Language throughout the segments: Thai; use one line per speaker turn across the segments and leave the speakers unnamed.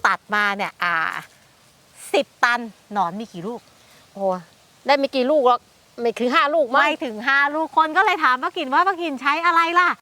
ตัดมาเนี่ย10 ตันหนอนมีกี่ลูก
โอ้ได้ไม่กี่ลูกหรอกไม่ถึง5 ลูก
ไม่ถึง5 ลูกคนก็เลยถามป้ากินว่าป้ากินใช้อะไรล่ะ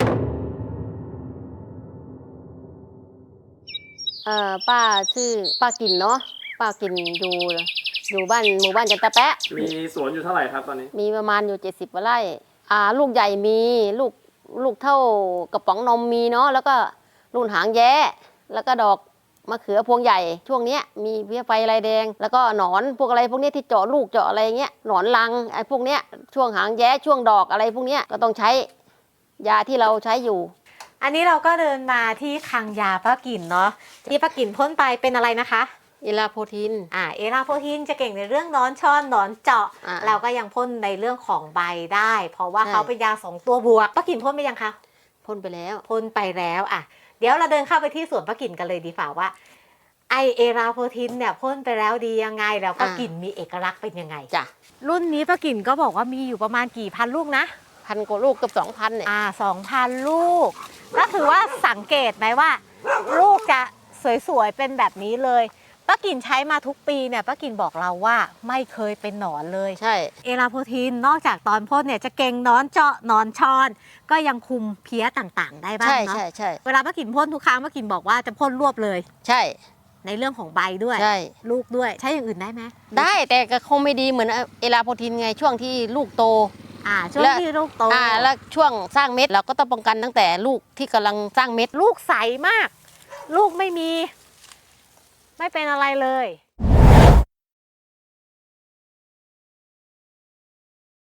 ป้าชื่อป้ากินเนาะป้ากินอยู่บ้านหมู่บ้านจันตะแปะ
มีสวนอยู่เท่าไหร่ครับตอนนี้
มีประมาณอยู่70 กว่าไร่ลูกใหญ่มีลูกเท่ากระป๋องนมมีเนาะแล้วก็รุ่นหางแย้แล้วก็ดอกมะเขือพวงใหญ่ช่วงนี้มีเพี้ยไฟลายแดงแล้วก็หนอนพวกอะไรพวกนี้ที่เจาะลูกเจาะอะไรเงี้ยหนอนรังไอ้พวกเนี้ยช่วงหางแย้ช่วงดอกอะไรพวกเนี้ยก็ต้องใช้ยาที่เราใช้อยู่
อันนี้เราก็เดินมาที่คลังยาป้ากินเนาะที่ป้ากินพ่นไปเป็นอะไรนะคะ
เอลาโพทิน
เอลาโพทินจะเก่งในเรื่องนอนช่อนหนอนเจาะเราก็ยังพ่นในเรื่องของใบได้ เพราะว่าเขาเป็นยา2 ตัวบวกป้ากินพ่นไปยังคะ
พ่นไปแล้ว
เดี๋ยวเราเดินเข้าไปที่สวนป้ากินกันเลยดีฝ่าว่าไอเอลาโพทินเนี่ยพ่นไปแล้วดียังไงแล้วก็กลิ่นมีเอกลักษณ์เป็นยังไง
จ้ะ
รุ่นนี้ป้ากินก็บอกว่ามีอยู่ประมาณกี่พันลูกนะ
1,000 กว่าลูกเกือบ 2,000เนี่ย
2,000 ลูกก็ถือว่าสังเกตไหมว่าลูกจะสวยๆเป็นแบบนี้เลยป้ากินใช้มาทุกปีเนี่ยป้ากินบอกเราว่าไม่เคยเป็นหนอนเลย
ใช่
เอลาโพทินนอกจากตอนพ่นเนี่ยจะเก่งหนอนเจาะหนอนชอนก็ยังคุมเพี้ยต่างๆได้บ้างเนาะ
ใช่
เวลาป้ากินพ่นทุกครั้งป้ากินบอกว่าจะพ่นรวบเลย
ใช่
ในเรื่องของใบด้วยลูกด้วยใช้อย่างอื่นได้ไหม
ได้แต่ก็คงไม่ดีเหมือนเอลาโพทินไงช่วงที่ลูกโต
ช่วงที่ลูกโต
แล้วช่วงสร้างเม็ดเราก็ต้องป้องกันตั้งแต่ลูกที่กำลังสร้างเม็ด
ลูกใสมากลูกไม่เป็นอะไรเลย